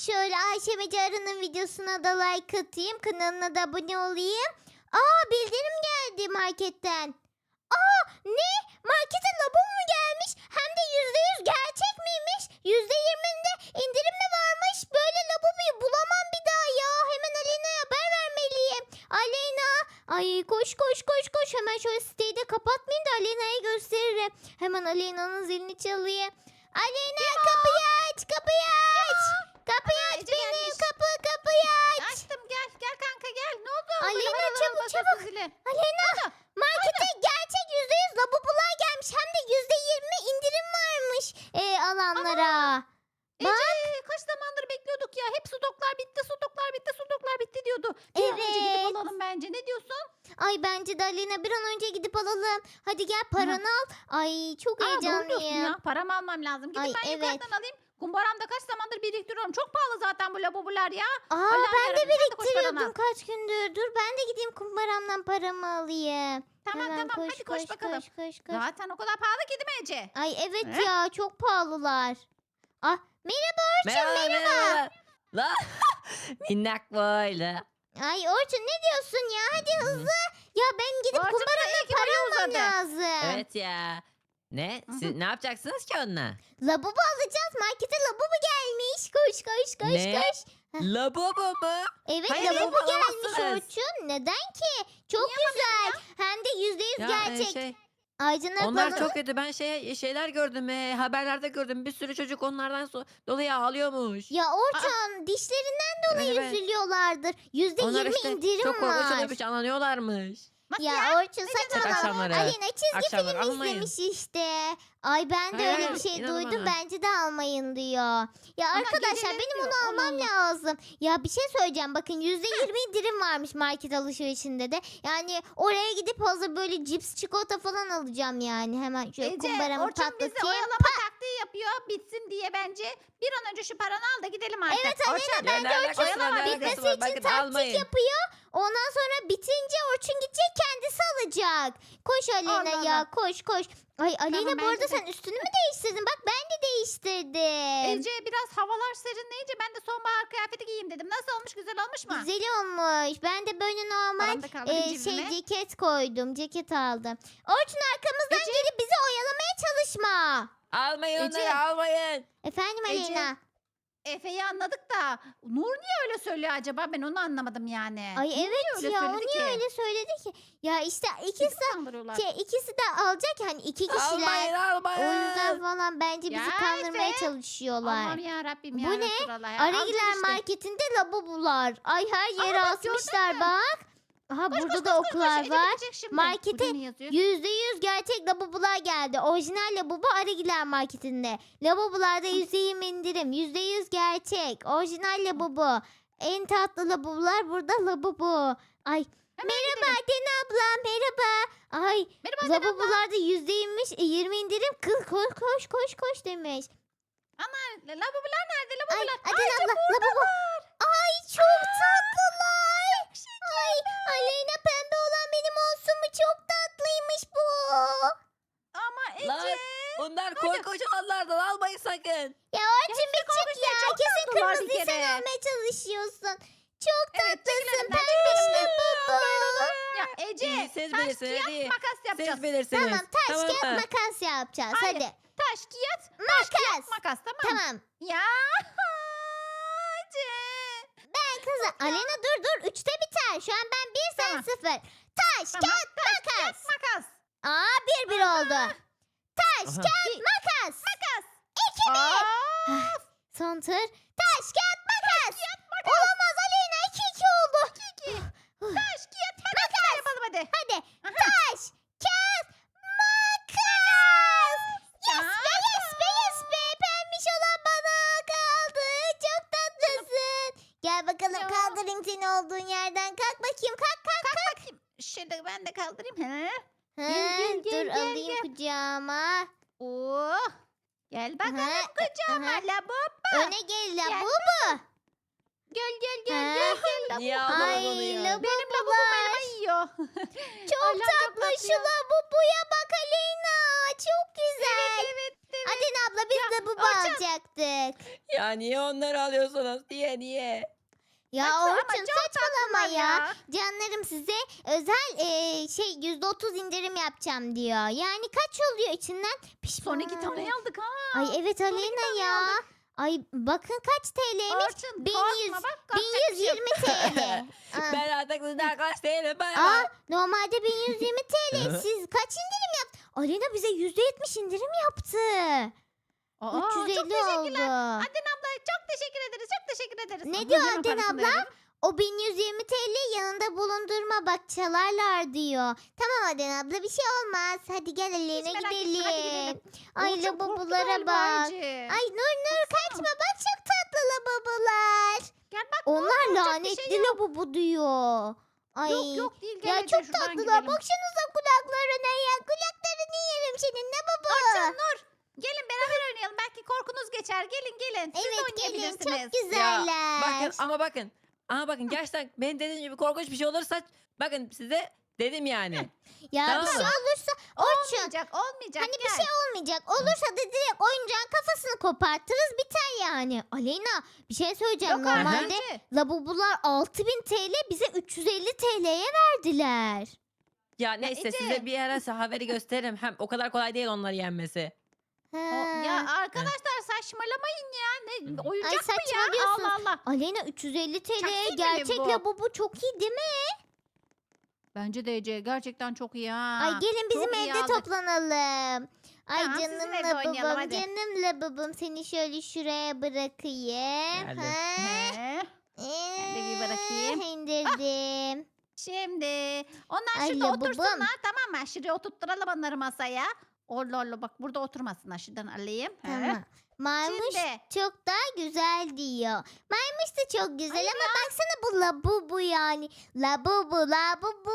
şöyle Ayşe ve Carı'nın videosuna da like atayım. Kanalına da abone olayım. Aa, bildirim geldi marketten. Aa, ne? Markete lavabo mu gelmiş? Hem de %100 gerçek miymiş? %20'inde indirim mi varmış? Böyle lavaboyu bulamam bir daha ya. Hemen Aleyna'ya haber vermeliyim. Aleyna. Ay, koş koş koş koş. Hemen şöyle siteyi de kapatmayayım da Aleyna'ya gösteririm. Hemen Aleyna'nın zilini çalayım. Aleyna, kapıyı aç, kapıyı aç. Kapıyı aç Ece benim, gelmiş. kapıyı aç. Açtım, gel kanka gel. Ne oldu? Aleyna, Böyle vara vara çabuk, basıyorsun çabuk. zili. Aleyna, markete gerçek %100 lavabolar gelmiş. Hem de %20 indirim varmış alanlara. Ece kaç zamandır bekliyorduk ya. Hep stoklar bitti, stoklar bitti, stoklar bitti diyordu. Bir an önce Evet. gidip alalım bence. Ne diyorsun? Ay, bence de Aleyna bir an önce gidip alalım. Hadi gel, paranı al. Ay, çok Aa, doğru diyorsun heyecanlıyım. ya. Paramı almam lazım. Gidip Ay, ben evet. yukarıdan alayım. Kumbaramda kaç zamandır biriktiriyorum. Çok pahalı zaten bu lavabolar ya. Aa, Allah'ım ben de yarabbim, sen de koş paranı biriktiriyordum al. kaç gündür. Dur, ben de gideyim kumbaramdan paramı alayım. Tamam Hemen tamam hadi koş bakalım. koş. Zaten o kadar pahalı ki değil mi Ece? Ay, evet He? ya, çok pahalılar. Ah, merhaba Orçun, merhaba. La minnak böyle. Ay Orçun, ne diyorsun ya? Hadi hızlı. Ya ben gidip Orçun kumbaramdan iki para boyu almam uzadı. lazım. Evet ya. Ne? Hı hı. Siz ne yapacaksınız ki onunla? Lavabo alacağız. Markete lavabo gelmiş. Koş koş koş Ne? koş. Lavabo mu? Evet, Hayır, lavabo lavabo gelmiş alamazsınız. Orçun. Neden ki? Çok güzel. Hem de %100 Ya gerçek. Aycan'a onlar bana- çok kötü. Ben şeyler gördüm. Haberlerde gördüm. Bir sürü çocuk onlardan dolayı ağlıyormuş. Ya Orçun, dişlerinden dolayı Evet, evet. üzülüyorlardır. %20 Onlar işte indirim çok korkunç var. oluyormuş, anlanıyorlarmış. Nasıl Ya ya? Orçun, diyorsun? saçmalama. Akşamları. Alina çizgi Akşamları film almayın. izlemiş işte. Ay, ben de Hayır, öyle hayır, bir şey inanın duydum. bana. Bence de almayın diyor. Ya Ama arkadaşlar, geceleri benim diyor. onu Allah almam Allah. lazım. Ya bir şey söyleyeceğim. Bakın, %20 indirim varmış market alışverişinde de. Yani oraya gidip hazır böyle cips, çikolata falan alacağım yani. Hemen şöyle Ece, kumbaramı Orçun bizi patlatayım. oyalama taktiği yapıyor. Bitsin diye bence. Bir an önce şu paranı al da gidelim artık. Evet Alena, Orçun, ben de ne Orçun alakası var, ne alakası bitmesi var? için Bakın, taktik almayın. yapıyor. Ondan sonra bitince Orçun gidecek, kendisi alacak. Koş Alena Allah ya, Allah. koş koş. Ay Alena, Tamam, bu arada bence de. sen üstünü mü değiştirdin? Bak, ben de değiştirdim. Ece biraz havalar serinleyince ben de sonbahar kıyafeti giyeyim dedim. Nasıl olmuş? Güzel olmuş mu? Güzel olmuş. Ben de böyle normal Paramı da kaldırayım cebime. ceket koydum. Ceket aldım. Orçun, arkamızdan gelip bizi oyalamaya çalışma. Almayın Ece. onları, almayın. Efendim Ece. Alena. Efe'yi anladık da Nur niye öyle söylüyor acaba? Ben onu anlamadım yani. Ay Nur niye evet öyle ya, o söyledi niye ki? öyle söyledi ki? Ya işte Bizi ikisi kandırıyorlar. ikisi de alacak, hani iki kişiler. Almayın, almayın. O yüzden falan bence bizi Ya kandırmaya Efe. çalışıyorlar. Allah'ım ya Rabbim ya. Bu ne? Resulallah ya. Aragiler Alacağız işte. marketinde labubular. Ay, her yere bak, gördün asmışlar mü? bak. Aha, Koş, burada koş, da koş, koş, koş. oklar Ece var. gidecek şimdi. Markete Burada ne yazıyor? %100 gerçek labubular geldi. Orijinal labubu Aragiler marketinde. Labubularda %20 indirim. %100 gerçek. Orijinal labubu. En tatlı labubular burada labubu. Ay, Hemen merhaba Dena abla, merhaba. Ay, Merhaba Adem abla. labubularda %20 indirim. Kız koş koş koş koş demiş. Labubular nerede? Ay, Labubular. Adem abla, lavabo. Ay, çok tatlılar. Ay, Aleyna, pembe olan benim olsun mu? Çok tatlıymış bu. Ama Lan, Ece. bunlar korkunç olanlardan, almayın sakın. Ya Orçun, bir çık ya. çok Kesin tatlılar bir kırmızıyı sen kere. almaya çalışıyorsun. Çok Evet, tatlısın çekilelim, pembiş çekilelim. labubu. Ya Ece. İyi, siz taş, bilirsiniz, kağıt, iyi. makas yapacağız. Siz bilirsiniz. Tamam, taş kağıt mı? makas yapacağız. Hayır. Hadi. Taş, kağıt, Makas. makas tamam. Tamam. Ya Ece. Ben kızım. Alena, dur. 3'te biter. Şu an ben 1, sen Tamam. 0. Taş Tamam. kağıt makas. Makas. Aa, 1-1 oldu. Taş Aha. kağıt makas. Makas. 2-1. Aa, Son tur. Taş kağıt makas. Olamaz Aleyna, 2-2 oldu. 2. Taş, kağıt, makas. Yapalım hadi. Hadi. Aha. Taş kağıt makas. Yes Ya. be, yes be, yes be. Pembiş olan bana kaldı. Çok tatlısın. Gel bakalım, Ya. kaldırayım seni olduğun yerden. Kalk bakayım, kalk. Bakayım. Şöyle ben de kaldırayım. He. Ha, gel, dur gel, alayım gel. kucağıma. Oh. Gel bakalım Aha, kucağıma aha. labubu. Öne gel la Gel. bu mu? Gel Ha? labubu. Niye almadın onu Ay ya? la bu Benim labubumu elime yiyor. diyor. Çok Allah'ım, tatlı şu ya. labubuya bak Aleyna. Çok güzel. Evet. Adem abla biz labubu Orçun. alacaktık. Ya niye onları alıyorsunuz? Niye? Ya Baksana ama Orçun çok saçmalama tatlılar ya. Canlarım size özel %30 indirim yapacağım diyor. Yani kaç oluyor içinden? Son 2 tane aldık ha. Ay evet Aleyna tane ya. aldık. Ay bakın kaç TL'ymiş? Orçun 1100 korkma bak. korkacak bir şey yok. 1120 TL. Aa. Ben artık sizden arkadaş değilim. Ben. Aa, normalde 1120 TL. Siz kaç indirim yaptı? Aleyna bize %70 indirim yaptı. Aa, çok 350 teşekkürler. oldu. Aden abla çok teşekkür ederiz. Çok teşekkür ederiz. Ne Aa, diyor hemen Aden parasını da abla? verelim. O 1120 TL yanında bulundurma bak çalarlar diyor. Tamam Aden abla bir şey olmaz. Hadi gel Aleyna Hiç merak etme, hadi gidelim. gidelim. Ay Orçun korktu labubulara galiba bak. Ece. Ay Nur kaçma bak çok tatlı labubular. Gel bak. Onlar korkacak bir lanetli şey yok. labubu diyor. Ay. Yok değil. Gel Ya Ece, çok şuradan tatlılar. gidelim. Baksanıza kulaklarına ya. Kulaklarını yerim senin labubu. Orçun, Nur. Gelin beraber oynayalım. Belki korkunuz geçer. Gelin. Siz de Evet gelin oynayabilirsiniz. çok güzeller. Bakın gerçekten benim dediğim gibi korkunç bir şey olursa bakın size dedim yani. Ya Tamam bir şey mı? olursa Orçun Olmayacak. hani gel. bir şey olmayacak. Olursa da direkt oyuncağın kafasını kopartırız biter yani. Aleyna bir şey söyleyeceğim. Yok Normalde Ece. labubular 6000 TL bize 350 TL'ye verdiler. Ya neyse Ece. size bir ara haberi gösteririm. Hem o kadar kolay değil onları yenmesi. Ha. Ya arkadaşlar saçmalamayın ya. Ne oyuncak mı ya? saçmalıyorsun. Allah Allah. Aleyna 350 TL'ye Taksim mi gerçek bu? labubu çok iyi değil mi? Bence de Ece gerçekten çok iyi ha. Ay gelin bizim çok iyi evde aldık. toplanalım. Ay Tamam, sizin canım evde oynayalım, labubum, hadi. canım labubum seni şöyle şuraya bırakayım. Geldim. Ha? He. Ben de bir bırakayım. İndirdim. Şimdi onlar Ay, şurada labubum. otursunlar tamam mı? Şuraya oturtturalım onları masaya. Orla bak burada oturmasınlar. Şuradan alayım. He. Tamam. Maymuş Şimdi. çok daha güzel diyor. Maymuş da çok güzel Hayır ama baksana bu labubu yani. Labubu.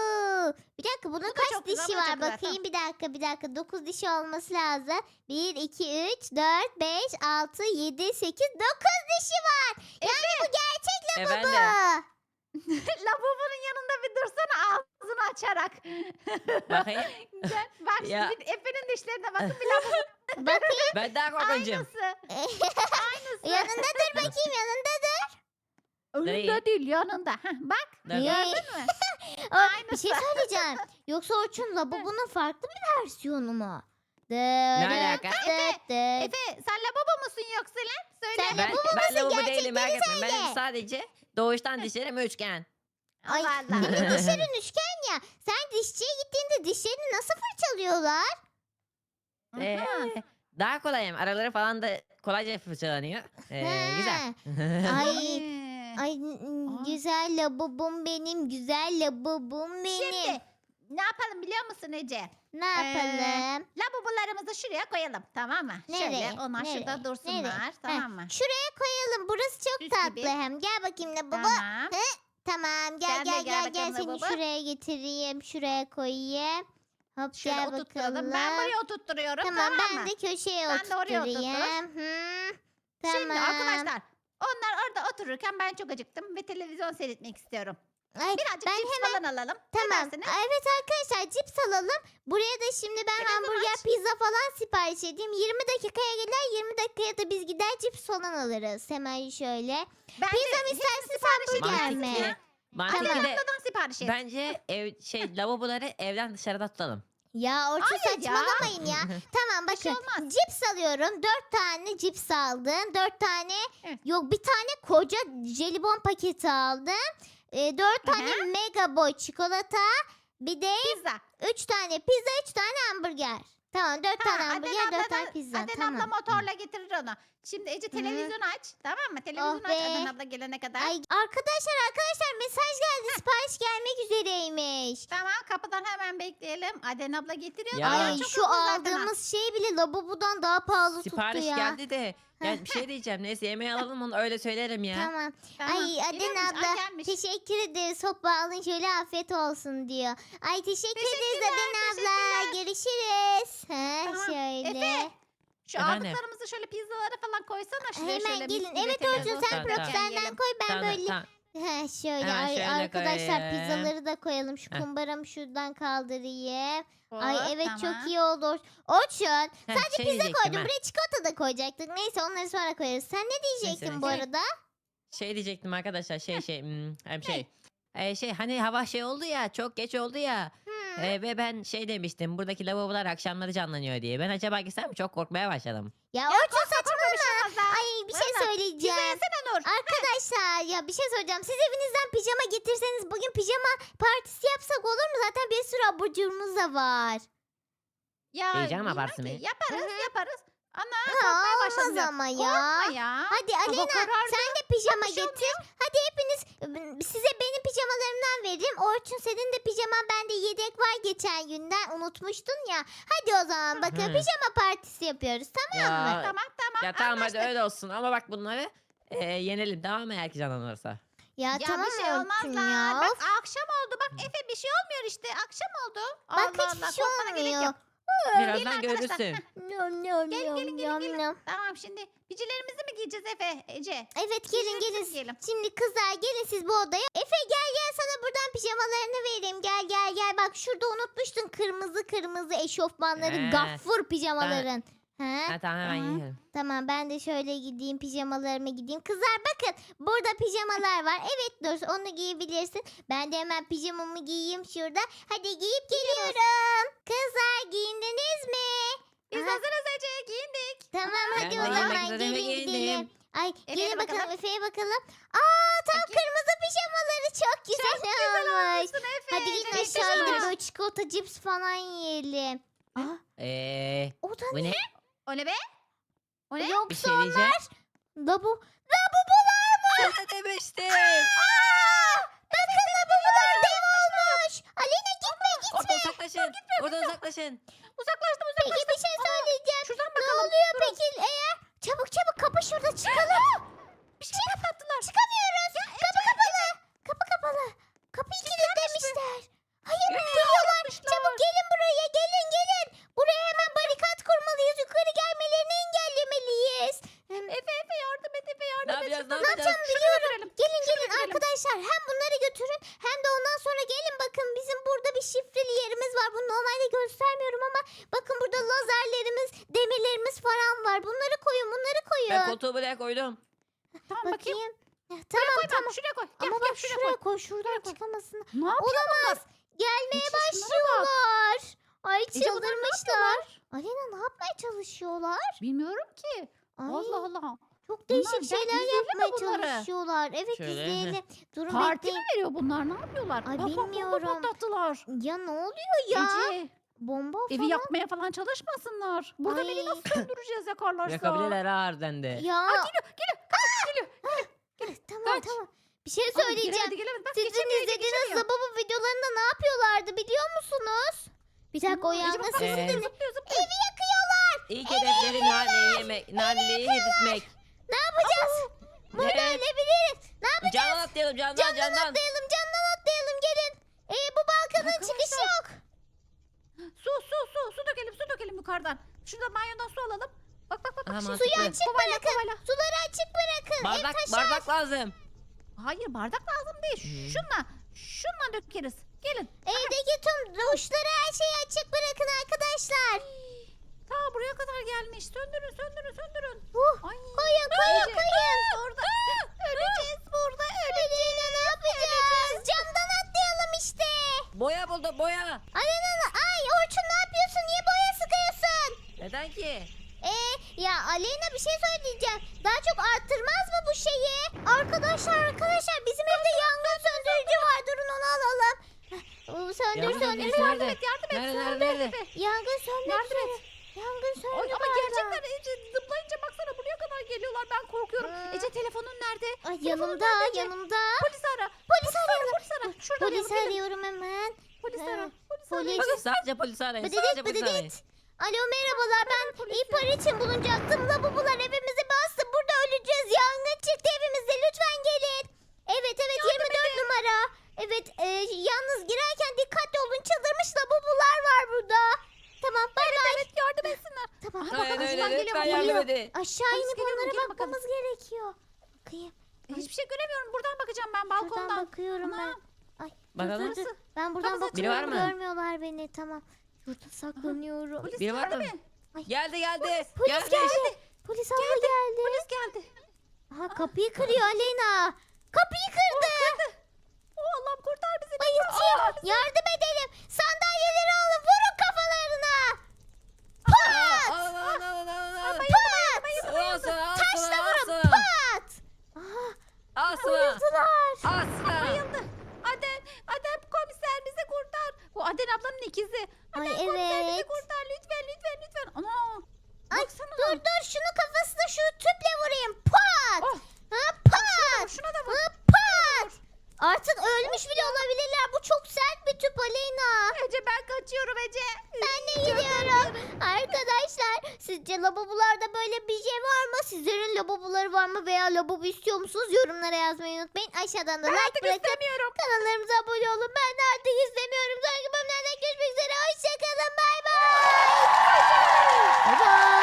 Bir dakika bunun da kaç çok güzel, dişi bu da çok var güzel, bakayım bir dakika. 9 dişi olması lazım. 1, 2, 3, 4, 5, 6, 7, 8, 9 dişi var. Yani bu gerçek Efendim. labubu. Lavabonun yanında bir dursana ağzını açarak. Bakayım. Gel, bak Ya. şimdi Efe'nin dişlerine bakın bir lavabo Bakayım Ben daha korkuncum. aynısı. yanında dur bakayım yanında dur. Önünde Nereye? değil yanında. Heh, bak Nerede? gördün mü? Bir şey söyleyeceğim. Yoksa Orçun labubunun farklı bir versiyonu mu? alaka? Efe sen lavabo musun yoksa lan? Söyle. Sen Ben, lavabo ben lavabo gerçekleri değilim merak etmeyin. söyle. Benim sadece doğuştan dişlerim üçgen. Ay Allah Allah. senin dişlerin üçgen ya. Sen dişçiye gittiğinde dişlerini nasıl fırçalıyorlar? Aha. Daha kolayım. Araları falan da kolayca fırçalanıyor. Güzel. Ay Ee, ay Aa. güzel labubum benim, güzel labubum benim. Şimdi ne yapalım biliyor musun Ece? Ne yapalım? Lavabolarımızı şuraya koyalım tamam mı? Nereye? Şöyle onlar Nereye? şurada dursunlar Nereye? tamam mı? Şuraya koyalım. Burası çok Süs tatlı gibi. hem. Gel bakayım labubu. Tamam. Tamam gel Sen de gel gel gel gel bakalım seni labubu. şuraya getireyim. Şuraya koyayım. Hop Şöyle gel oturtturalım. bakalım. Ben buraya oturtturuyorum Tamam tamam, ben mı? de köşeye Sen de oraya oturtturayım. Tamam. Şimdi arkadaşlar onlar orada otururken ben çok acıktım ve televizyon seyretmek istiyorum. Ay, Birazcık ben cips hemen falan alalım. Ne tamam. dersiniz? Evet arkadaşlar cips alalım. Buraya da şimdi ben Televizyon hamburger, aç. pizza falan sipariş edeyim. 20 dakikaya gelir 20 dakikaya da biz gider cips falan alırız. Hemen şöyle. Ben Pizza mı de istersiniz sipariş hamburger edeyim. mi? Ya. Mantıklı Aden de abladan sipariş et. bence lavaboları evden dışarıda tutalım. Ya Orçun Hayır ya. saçmalamayın ya. Tamam Bir şey bakın olmaz. cips alıyorum. 4 tane cips aldım. 4 tane Evet. yok bir tane koca jelibon paketi aldım. 4 tane Hı mega boy çikolata. Bir de Pizza. 3 tane pizza 3 tane hamburger. Tamam 4 tane hamburger 4 tane pizza. Aden tamam. abla motorla getirir onu. Şimdi Ece televizyon aç. Tamam mı? Televizyon aç be. Aden abla gelene kadar. Ay arkadaşlar mesaj geldi. Sipariş gelmek üzereymiş. Tamam kapıdan hemen bekleyelim. Aden abla getiriyor. Ya. Daha Ay çok şu hızlı zaten ha. aldığımız şey bile lavabodan daha pahalı Sipariş tuttu ya. geldi de. Yani bir şey diyeceğim. Neyse yemeği alalım onu öyle söylerim ya. Tamam. Tamam. Ay Geliyor Aden musun? abla Ay, gelmiş. teşekkür ederiz. Hoppa alın şöyle afiyet olsun diyor. Ay teşekkür ederiz Teşekkürler, Aden abla. Görüşürüz. Tamam. Şöyle. Efe, Şu Efendim? aldıklarımızı şöyle pizzalara falan koysana şuraya Hemen şöyle. mis gelin. gibi Evet televizyon Orçun sen Tamam, profesyonelden yiyelim. koy ben Tamam, böyle tamam. Şöyle Hemen şöyle arkadaşlar koyayım. pizzaları da koyalım. Şu Heh. kumbaramı şuradan kaldırayım. Hop, Ay evet tamam. çok iyi oldu. Orçun sadece Şey pizza diyecektim koydum. ha. Buraya çikolata da koyacaktık. Neyse onları sonra koyarız. Sen ne diyecektin bu Neyse. arada? Şey diyecektim arkadaşlar hem şey hani hava şey oldu ya çok geç oldu ya Hmm. ve ben şey demiştim buradaki lavabolar akşamları canlanıyor diye. Ben acaba gitsem mi? Çok korkmaya başladım. Ya Ya Orçun korkma bir şey olmaz ha. ay bir şey Valla, Pizza söyleyeceğim. yesene Nur. Arkadaşlar ya bir şey söyleyeceğim. Siz evinizden pijama getirseniz bugün pijama partisi yapsak olur mu? Zaten bir sürü abur cuburumuz da var. Ya Heyecan bilmem abartsın ki. be. Yaparız yaparız. Ana Ha, korkmaya başladım. olmaz ya. ama ya. Korkma ya. Hadi Hava Alena karardı. sen de pijama Bir şey getir. Hadi hepiniz size benim pijamalarımdan vereyim. Orçun senin de pijaman bende yedek var geçen günden unutmuştun ya. Hadi o zaman bakın Hı. pijama partisi yapıyoruz tamam mı? Ya, Tamam ya tamam hadi anlaştık. öyle olsun ama bak bunları yenelim tamam mı eğer ki canlanırsa. Ya, Ya tamam bir şey Orçun olmazlar. ya. Bak akşam oldu. Bak Efe bir şey olmuyor işte. Akşam oldu. Bak Allah hiçbir Allah, şey korkmana gerek olmuyor. yok. Birazdan arkadaşlar. görürsün. Nom nom Gelin, nom gelin, gelin, nom gelin. nom. Tamam şimdi picilerimizi mi giyeceğiz Efe, Ece? Evet gelin Pijamamızı gelin. mı giyelim? Şimdi kızlar gelin siz bu odaya. Efe gel sana buradan pijamalarını vereyim. Gel. Bak şurada unutmuştun kırmızı eşofmanların Ee, gaffur pijamaların. He? Ha, tamam hemen Tamam. yiyelim. Tamam ben de şöyle gideyim pijamalarımı gideyim. Kızlar bakın burada pijamalar var. Evet Dur onu giyebilirsin. Ben de hemen pijamamı giyeyim şurada. Hadi giyip geliyorum. Kızlar giyindiniz mi? Biz Aha, hazırız Ece, giyindik. tamam Ben hadi de o giymek zaman üzere gelin giyindim. gidelim. Ay Efe'ye gelin bakalım bakalım. Efe'ye bakalım. Aa tam Bakayım. kırmızı pijamaları çok güzel olmuş. Olsun Efe. Hadi gidin Ece, aşağı Ece. inip böyle çikolata cips falan yiyelim. Aa, o da Bu ne? ne? O ne be? O ne? Bir Yoksa şey diyeceğim. labubular mı? Sana demiştim. Bakın labubular dev olmuş. Alena gitme. Oradan uzaklaşın. Oradan uzaklaşın. Uzaklaştım Peki bir şey söyleyeceğim. Şuradan Ne bakalım. oluyor peki eğer? Çabuk kapı şurada çıkalım. Bir şey patlattılar. Çıkamıyoruz. Kapı kapalı. Kapı kapalı. Kapıyı kilitlemişler. Hayır geliyorlar. Çabuk gelin buraya gelin. Buraya hemen barikat kurmalıyız. Yukarı gelmelerini engellemeliyiz. Efe yardım et Efe Ne yardım et. yapacağız? Ne Ne yapacağız? yapacağım biliyorum. götürelim. Gelin götürelim. arkadaşlar. Hem bunları götürün hem de ondan sonra gelin bakın bizim burada bir şifreli yerimiz var. Bunu normalde göstermiyorum ama bakın burada lazerlerimiz, demirlerimiz falan var. Bunları koyun. Ben koyun. koltuğu buraya koydum. Tamam bakayım. Bakayım. Tamam Koy bak, şuraya koy. Gel, ama gel, bak şuraya şuraya koy. koy. Şuradan koy. çıkamasın. Ne yapıyor Olamaz. Gelmeye Ece, şunlara bak. başlıyorlar. Ay Ece, bunlar ne çıldırmışlar. Alena ne yapmaya çalışıyorlar? Bilmiyorum ki. Ay, Allah Allah. çok Bunlar değişik gel şeyler izleyelim mi yapmaya bunları? çalışıyorlar. Evet Şöyle, izleyelim. Durun Parti bekleyin. mi veriyor bunlar? Ne yapıyorlar? Ay, Bak, bak, bomba bilmiyorum. patlattılar. Ya ne oluyor ya? Ece, Bomba evi falan. yakmaya falan çalışmasınlar. Burada beni Ay. nasıl söndüreceğiz yakarlarsa? Yakabilirler ha harbiden de. Ya. Tamam. Bir şey Ama söyleyeceğim. giremedi, giremedi. Bak, Sizin geçemiyor, izlediğiniz geçemiyor. Labubu videolarında ne yapıyorlardı biliyor musunuz? Bir dakika o Ece, yangın bak, bak, sesi Ee, dinle. zıplıyor, zıplıyor. Evi yakıyorlar. İlk hedefleri naneyi yemek, naneyi hedetmek. Ne yapacağız? Burada Evet. ölebiliriz. Ne yapacağız? Candan atlayalım Camdan candan. atlayalım gelin. Bu balkonun çıkışı Arkadaşlar. yok. Su dökelim yukarıdan. Şurada banyodan su alalım. Bak. Aha, Şu mantıklı. Suyu açık Kovayla, bırakın. kovayla. Suları açık bırakın. Ev Bardak, taşar. bardak lazım. Hayır bardak lazım değil. Şunla dökeriz. Gelin. Evdeki tüm duşları her şeyi açık bırakın arkadaşlar. Ta buraya kadar gelmiş. Söndürün. Ay. Koyun. Orada. Öleceğiz burada. Alena ne yapacağız? Camdan atlayalım işte. Boya buldum boya. Alena ay Orçun ne yapıyorsun? Niye boya sıkıyorsun? Neden ki? Ya Aleyna bir şey söyleyeceğim. Daha çok arttırmaz mı bu şeyi? Arkadaşlar bizim evde yangın söndürücü var. Durun onu alalım. Söndür. Yardım Yardım et, Yardım nerede? et. Nerede? Yangın söndür. Yardım et. Yangın söndür. Ay, ama bardağı. gerçekten Ece zıplayınca baksana buraya kadar geliyorlar. Ben korkuyorum. Hı. Ece telefonun nerede? Ay Telefonun yanımda. nerede Ece? Polis ara. Polis arayalım. Polis ara. Şurada Polis arayalım. arıyorum hemen. Polis Ha, ara. Polis polis. ara. Bakın sadece polisi arayın. Sadece polisi arayın. Bıdıdıt. Alo merhabalar ben polisi. ihbar için bulunacaktım. Labubular evimizi bastı. Burada öleceğiz. Yangın çıktı evimizde. Lütfen gelin. Evet 24 numara. Evet yalnız girerken dikkatli olun. Çıldırmış labubular var burada. Tamam bay bay. Evet yardım etsinler. Tamam. Aha, bak, Aynen arkadan öyle. geliyor, Lütfen geliyor. yardım edin. Aşağı Polis inip geliyor mu? onlara Gelin bakalım. bakmamız gerekiyor. Bakayım. Hiçbir şey göremiyorum. Buradan bakacağım ben Şuradan balkondan. bakıyorum ben. Anam. Ay, Bakalım. dur. Ben buradan Kapısı Biri var bakıyorum. mı? Görmüyorlar beni. Tamam. Şurada saklanıyorum. Polis Biri var geldi mı? mi? Geldi Polis geldi. Polis abla geldi. Polis geldi. Aha, kapıyı kırıyor Aleyna. Kapıyı kırdı. Oh Allah'ım kurtar bizi. Bayılacağım. Yardım edelim. Sandalyeleri alın. Vurun kafalarına. Taşla vurun. Pat. Aha, bayıldılar. Bayıldı. Adem komiser bizi kurtar. Bu Aden ablanın ikizi. Ay, Adem komiser bizi evet. kurtar lütfen. Ana. Ay, Baksana. dur şunu kafasına şu tüple vurayım. Pat. Oh. Ha, pat. Şuna da vur. Ha, pat. Artık ölmüş bile olabilirler. Bu çok sert bir tüp Aleyna. Ece ben kaçıyorum Ece. Ben de gidiyorum. Arkadaşlar sizce lavabolarda böyle bir şey var mı? Sizlerin lavaboları var mı veya lavabo istiyor musunuz? Yorumlara yazmayı unutmayın. Aşağıdan da Ben like artık bırakıp istemiyorum. kanallarımıza abone olun. Ben de artık istemiyorum. Sonraki bölümlerde görüşmek üzere. Hoşçakalın. Bay bay. Bay bay.